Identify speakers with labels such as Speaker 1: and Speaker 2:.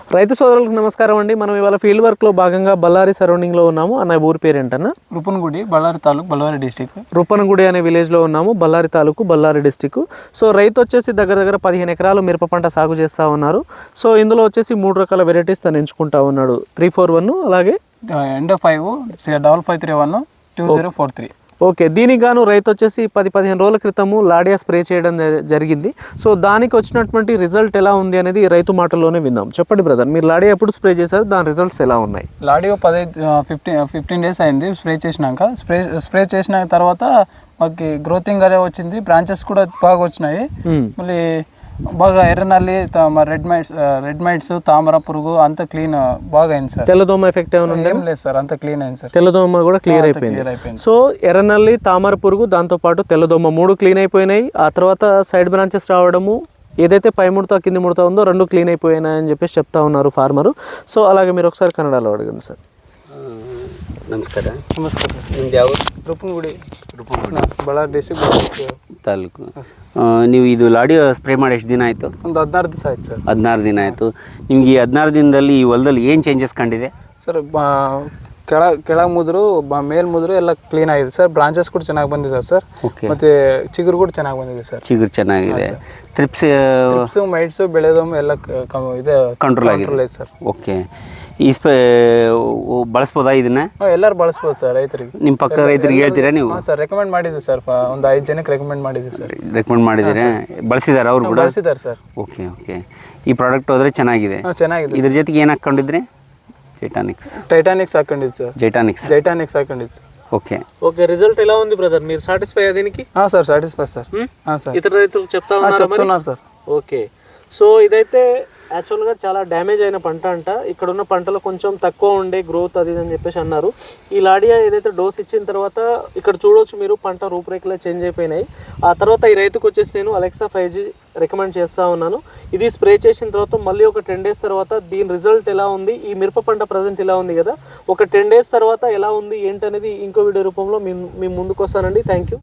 Speaker 1: రైతు సోదరులకు నమస్కారం అండి. మనం ఇవాళ ఫీల్డ్ వర్క్లో భాగంగా బళ్ళారి సరౌండింగ్లో ఉన్నాము. అన్న ఊరి పేరు ఏంటన్నా?
Speaker 2: రుపన్గుడి, బళ్ళారి తాలూకు, బళ్ళారి డిస్టిక్.
Speaker 1: రుపన్గుడి అనే విలేజ్లో ఉన్నాము, బళ్ళారి తాలూకు, బళ్ళారి డిస్టిక్. సో రైతు వచ్చేసి దగ్గర 15 ఎకరాలు మిరప పంట సాగు చేస్తూ ఉన్నారు. సో ఇందులో వచ్చేసి 3 రకాల వెరైటీస్ తను ఎంచుకుంటా ఉన్నాడు. 341 అలాగే
Speaker 2: ఎండ్ 5 5531 2043.
Speaker 1: ఓకే, దీనికి గాను రైతు వచ్చేసి 10-15 రోజుల క్రితము లాడియా స్ప్రే చేయడం జరిగింది. సో దానికి వచ్చినటువంటి రిజల్ట్ ఎలా ఉంది అనేది రైతు మాటల్లోనే విందాం. చెప్పండి బ్రదర్, మీరు లాడియా ఎప్పుడు స్ప్రే చేశారు, దాని రిజల్ట్స్ ఎలా ఉన్నాయి?
Speaker 2: లాడియో 15 డేస్ అయింది స్ప్రే చేసినాక. స్ప్రే చేసిన తర్వాత మాకు గ్రోతింగ్ అనే వచ్చింది, బ్రాంచెస్ కూడా బాగా వచ్చినాయి. మళ్ళీ బాగా ఎర్రనల్లి, రెడ్ మైట్స్, తామర పురుగు అంతా క్లీన్ బాగా అయింది సార్.
Speaker 1: తెల్లదోమ ఎఫెక్ట్ ఏమైనా
Speaker 2: ఏం లేదు సార్, అంతా క్లీన్ అయింది సార్.
Speaker 1: తెల్లదోమ కూడా క్లియర్ అయిపోయింది. సో ఎర్రనల్లి, తామర పురుగు, దాంతోపాటు తెల్లదోమ 3 క్లీన్ అయిపోయినాయి. ఆ తర్వాత సైడ్ బ్రాంచెస్ రావడము, ఏదైతే పై ముడత కింది ముడత ఉందో 2 క్లీన్ అయిపోయినాయి అని చెప్పేసి చెప్తా ఉన్నారు ఫార్మరు. సో అలాగే మీరు ఒకసారి కన్నడలో అడగండి సార్.
Speaker 3: ನಮಸ್ಕಾರ.
Speaker 2: ನಮಸ್ಕಾರ.
Speaker 3: ನಿಮ್ದು ಯಾವ
Speaker 2: ರುಪನ್ಗುಡಿ, ಬಳ್ಳಾರಿ ಡಿಸ್ಟಿಕ್
Speaker 3: ತಾಲೂಕು. ನೀವು ಇದು ಲಾಡಿಯೋ ಸ್ಪ್ರೇ ಮಾಡಿ ಎಷ್ಟು ದಿನ ಆಯಿತು?
Speaker 2: ಒಂದು 16 ದಿವಸ ಆಯ್ತು ಸರ್.
Speaker 3: 16 ದಿನ ಆಯಿತು. ನಿಮ್ಗೆ ಈ 16 ದಿನದಲ್ಲಿ ಈ ಹೊಲದಲ್ಲಿ ಏನು ಚೇಂಜಸ್ ಕಂಡಿದೆ
Speaker 2: ಸರ್? ಕೆಳಗೆ ಮುದ್ರು, ಮೇಲ್ ಮುದ್ರು ಎಲ್ಲ ಕ್ಲೀನ್ ಆಗಿದೆ ಸರ್. ಬ್ರಾಂಚಸ್ ಕೂಡ ಚೆನ್ನಾಗಿ ಬಂದಿದೆ ಸರ್. ಮತ್ತೆ ಚಿಗುರು ಕೂಡ ಚೆನ್ನಾಗಿ ಬಂದಿದೆ ಸರ್.
Speaker 3: ಚಿಗುರು ಚೆನ್ನಾಗಿದೆ.
Speaker 2: ಟ್ರಿಪ್ಸ್ ಮೈಟ್ಸ್ ಬೆಳೆದೊಮ್ಮೆ ಎಲ್ಲ ಇದೆ
Speaker 3: ಕಂಟ್ರೋಲ್ ಆಗಿದೆ
Speaker 2: ಸರ್.
Speaker 3: ಓಕೆ. ಈ ಸ್ಪ್ರೇ ಬಳಸ್ಬೋದಾ ಇದನ್ನ?
Speaker 2: ಎಲ್ಲರೂ ಬಳಸ್ಬೋದು ಸರ್. ರೈತರಿಗೆ,
Speaker 3: ನಿಮ್ಮ ಪಕ್ಕದ ರೈತರಿಗೆ ಹೇಳ್ತೀರಾ ನೀವು?
Speaker 2: ಸರ್ ರೆಕಮೆಂಡ್ ಮಾಡಿದ್ವಿ ಸರ್. ಒಂದು 5 ಜನಕ್ಕೆ ರೆಕಮೆಂಡ್ ಮಾಡಿದ್ವಿ ಸರ್.
Speaker 3: ರೆಕಮೆಂಡ್ ಮಾಡಿದ್ದೀರಾ? ಬಳಸಿದಾರೆ ಅವ್ರು ಕೂಡ?
Speaker 2: ಬಳಸಿದ್ದಾರೆ ಸರ್.
Speaker 3: Okay okay. ಈ ಪ್ರಾಡಕ್ಟ್ ಹೋದರೆ ಚೆನ್ನಾಗಿದೆ.
Speaker 2: ಚೆನ್ನಾಗಿದೆ.
Speaker 3: ಇದ್ರ ಜೊತೆಗೆ ಏನು ಹಾಕ್ಕೊಂಡಿದ್ರಿ?
Speaker 2: ಟೈಟಾನಿಕ್ಸ್ ಹಾಕೊಂಡಿದ್ದು ಸರ್. ಜೈಟಾನಿಕ್ಸ್ ಹಾಕೊಂಡಿದ್ದು ಸರ್.
Speaker 3: ఓకే
Speaker 1: ఓకే, రిజల్ట్ ఎలా ఉంది బ్రదర్? మీరు సాటిస్ఫై దీనికి?
Speaker 2: Sir satisfy sir. సార్
Speaker 1: ఇతర రైతులకు
Speaker 2: చెప్తున్నారు సార్.
Speaker 1: ఓకే, సో ఇదైతే యాక్చువల్గా చాలా డ్యామేజ్ అయిన పంట అంట. ఇక్కడ ఉన్న పంటలో కొంచెం తక్కువ ఉండే గ్రోత్ అది అని చెప్పేసి అన్నారు. ఈ లాడియా ఏదైతే డోస్ ఇచ్చిన తర్వాత ఇక్కడ చూడవచ్చు మీరు, పంట రూపురేఖలే చేంజ్ అయిపోయినాయి. ఆ తర్వాత ఈ రైతుకు వచ్చేసి నేను అలెక్సా 5G రికమెండ్ చేస్తూ ఉన్నాను. ఇది స్ప్రే చేసిన తర్వాత మళ్ళీ ఒక 10 డేస్ తర్వాత దీని రిజల్ట్ ఎలా ఉంది, ఈ మిరప పంట ప్రజెంట్ ఇలా ఉంది కదా, ఒక 10 డేస్ తర్వాత ఎలా ఉంది ఏంటనేది ఇంకో వీడియో రూపంలో మీ ముందుకు వస్తానండి. Thank you.